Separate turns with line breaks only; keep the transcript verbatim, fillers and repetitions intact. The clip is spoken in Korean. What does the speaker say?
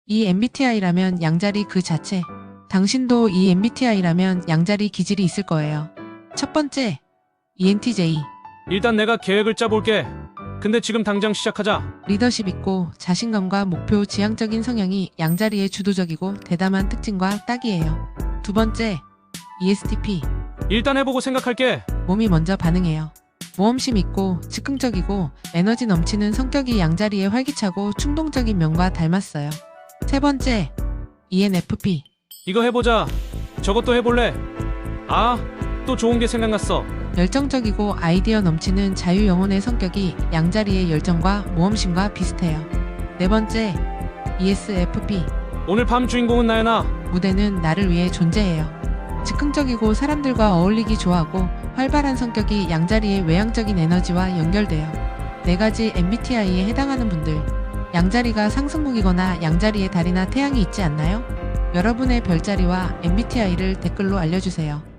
이 엠비티아이라면 양자리 그 자체. 당신도 이 엠비티아이라면 양자리 기질이 있을 거예요. 첫 번째, 이엔티제이.
일단 내가 계획을 짜볼게. 근데 지금 당장 시작하자.
리더십 있고 자신감과 목표 지향적인 성향이 양자리의 주도적이고 대담한 특징과 딱이에요. 두 번째, 이에스티피.
일단 해보고 생각할게.
몸이 먼저 반응해요. 모험심 있고 즉흥적이고 에너지 넘치는 성격이 양자리의 활기차고 충동적인 면과 닮았어요. 세 번째, 이엔에프피.
이거 해보자. 저것도 해볼래. 아, 또 좋은 게 생각났어.
열정적이고 아이디어 넘치는 자유영혼의 성격이 양자리의 열정과 모험심과 비슷해요. 네 번째, 이에스에프피.
오늘 밤 주인공은 나야나.
무대는 나를 위해 존재해요. 즉흥적이고 사람들과 어울리기 좋아하고 활발한 성격이 양자리의 외향적인 에너지와 연결돼요. 네 가지 엠비티아이에 해당하는 분들, 양자리가 상승목이거나 양자리의 달이나 태양이 있지 않나요? 여러분의 별자리와 엠비티아이를 댓글로 알려주세요.